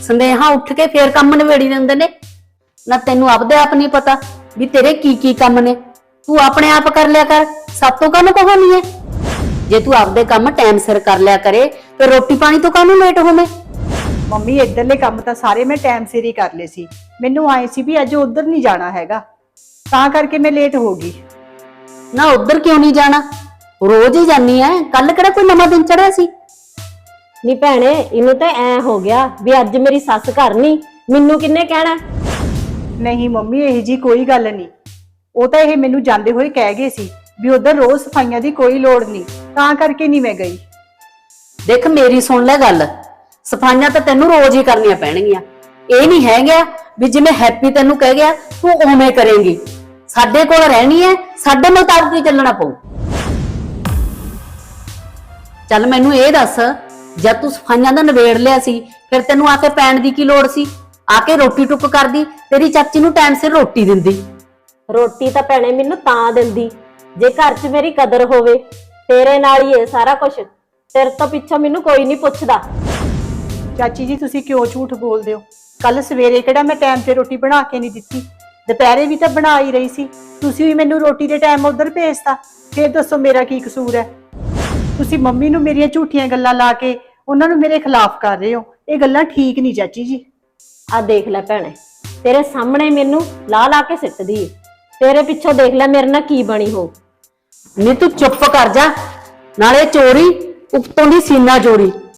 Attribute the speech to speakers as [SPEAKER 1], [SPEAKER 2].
[SPEAKER 1] ਸੰਦੇਹਾ ਉੱਠ ਕੇ ਫੇਰ ਕੰਮ ਨਵੇੜੀ ਦਿੰਦੇ ਨੇ। ਨਾ ਤੈਨੂੰ ਆਪਦੇ ਆਪ ਨਹੀਂ ਪਤਾ ਵੀ ਤੇਰੇ ਕੀ ਕੰਮ ਨੇ। ਤੂੰ ਆਪਣੇ ਆਪ ਕਰ ਲਿਆ ਕਰ, ਸਭ ਤੋਂ ਕਾਹਨੂੰ ਕਹਾਣੀ ਹੈ। ਜੇ ਤੂੰ ਆਪਦੇ ਕੰਮ ਟਾਈਮ ਸਿਰ ਕਰ ਲਿਆ ਕਰੇ ਤੇ ਰੋਟੀ ਪਾਣੀ ਤੋਂ ਕਾਹਨੂੰ ਲੇਟ ਹੋਵੇਂ।
[SPEAKER 2] ਮੰਮੀ ਇੱਧਰਲੇ ਕੰਮ ਤਾਂ ਸਾਰੇ ਮੈਂ ਟਾਈਮ ਸਿਰ ਹੀ ਕਰ ਲਏ ਸੀ। ਮੈਨੂੰ ਆਏ ਸੀ ਵੀ ਅੱਜ ਉਧਰ ਨਹੀਂ ਜਾਣਾ ਹੈਗਾ, ਤਾਂ ਕਰਕੇ ਮੈਂ ਲੇਟ ਹੋ ਗਈ।
[SPEAKER 1] ਨਾ ਉਧਰ ਕਿਉਂ ਨਹੀਂ ਜਾਣਾ, ਰੋਜ਼ ਹੀ ਜਾਨੀ ਐ। ਕੱਲ ਕਿਹੜਾ ਕੋਈ ਨਵਾਂ ਦਿਨ ਚੜਿਆ ਸੀ।
[SPEAKER 3] ਨੀ ਭੈਣੇ, ਇਹਨੂੰ ਤਾਂ ਐ ਹੋ ਗਿਆ ਵੀ ਅੱਜ ਮੇਰੀ ਸੱਸ ਘਰ ਨਹੀਂ, ਮੈਨੂੰ ਕਿੰਨੇ ਕਹਿਣਾ।
[SPEAKER 2] ਨਹੀਂ ਮੰਮੀ, ਇਹ ਜੀ ਕੋਈ ਗੱਲ ਨਹੀਂ। ਉਹ ਤਾਂ ਇਹ ਮੈਨੂੰ ਜਾਂਦੇ ਹੋਏ ਕਹਿ ਗਏ ਸੀ ਵੀ ਉਧਰ ਰੋਜ਼ ਸਫਾਈਆਂ ਦੀ ਕੋਈ ਲੋੜ ਨਹੀਂ, ਤਾਂ ਕਰਕੇ ਨਹੀਂ ਮੈਂ ਗਈ।
[SPEAKER 1] ਦੇਖ ਮੇਰੀ ਸੁਣ ਲੈ ਗੱਲ, ਸਫਾਈਆਂ ਤਾਂ ਤੈਨੂੰ ਰੋਜ਼ ਹੀ ਕਰਨੀਆਂ ਪੈਣਗੀਆਂ। ਇਹ ਨਹੀਂ ਹੈਗਾ ਵੀ ਜਿਵੇਂ ਹੈਪੀ ਤੈਨੂੰ ਕਹਿ ਗਿਆ ਤੂੰ ਉਵੇਂ ਕਰੇਂਗੀ। ਸਾਡੇ ਕੋਲ ਰਹਿਣੀ ਹੈ, ਸਾਡੇ ਮੁਤਾਬਕ ਹੀ ਚੱਲਣਾ ਪਊ। ਚੱਲ ਮੈਨੂੰ ਇਹ ਦੱਸ, ਜਦ ਤੂੰ ਸਫਾਈਆਂ ਦਾ ਨਿਬੇੜ ਲਿਆ ਸੀ ਫਿਰ ਤੈਨੂੰ ਆ ਕੇ ਪੈਣ ਦੀ ਕੀ ਲੋੜ ਸੀ। ਆ ਕੇ ਰੋਟੀ ਟੁੱਕ ਕਰਦੀ, ਤੇਰੀ ਚਾਚੀ ਨੂੰ ਟਾਈਮ ਸਿਰ ਰੋਟੀ ਦਿੰਦੀ।
[SPEAKER 3] ਰੋਟੀ ਤਾਂ ਭੈਣੇ ਮੈਨੂੰ ਤਾਂ ਦਿੰਦੀ ਜੇ ਘਰ 'ਚ ਮੇਰੀ ਕਦਰ ਹੋਵੇ। ਤੇਰੇ ਨਾਲ ਹੀ ਹੈ ਸਾਰਾ ਕੁਝ, ਤੇਰੇ ਤੋਂ ਪਿੱਛੋਂ ਮੈਨੂੰ ਕੋਈ ਨਹੀਂ ਪੁੱਛਦਾ।
[SPEAKER 2] ਚਾਚੀ ਜੀ ਤੁਸੀਂ ਕਿਉਂ ਝੂਠ ਬੋਲਦੇ ਹੋ? ਕੱਲ ਸਵੇਰੇ ਕਿਹੜਾ ਮੈਂ ਟਾਈਮ ਤੇ ਰੋਟੀ ਬਣਾ ਕੇ ਨਹੀਂ ਦਿੱਤੀ, ਦੁਪਹਿਰੇ ਵੀ ਤਾਂ ਬਣਾ ਹੀ ਰਹੀ ਸੀ। ਤੁਸੀਂ ਵੀ ਮੈਨੂੰ ਰੋਟੀ ਦੇ ਟਾਈਮ ਉਧਰ ਭੇਜਤਾ, ਫਿਰ ਦੱਸੋ ਮੇਰਾ ਕੀ ਕਸੂਰ ਹੈ? ਤੁਸੀਂ ਮੰਮੀ ਨੂੰ ਮੇਰੀਆਂ ਝੂਠੀਆਂ ਗੱਲਾਂ ਲਾ ਕੇ ਉਹਨਾਂ ਨੂੰ ਮੇਰੇ ਖਿਲਾਫ ਕਰ ਰਹੇ ਹੋ। ਇਹ ਗੱਲਾਂ ਠੀਕ ਨਹੀਂ ਚਾਚੀ ਜੀ।
[SPEAKER 3] ਆ ਦੇਖ ਲੈ ਭੈਣੇ, ਤੇਰੇ ਸਾਹਮਣੇ ਮੈਨੂੰ ਲਾ ਲਾ ਕੇ ਸਿੱਟਦੀ ਏ। ਤੇਰੇ ਪਿੱਛੋਂ ਦੇਖ ਲੈ ਮੇਰੇ ਨਾਲ ਕੀ ਬਣੀ ਹੋ।
[SPEAKER 1] ਨਹੀਂ ਤੂੰ ਚੁੱਪ ਕਰ ਜਾ, ਨਾਲੇ ਚੋਰੀ ਉੱਤੋਂ ਦੀ ਸੀਨਾ ਚੋਰੀ।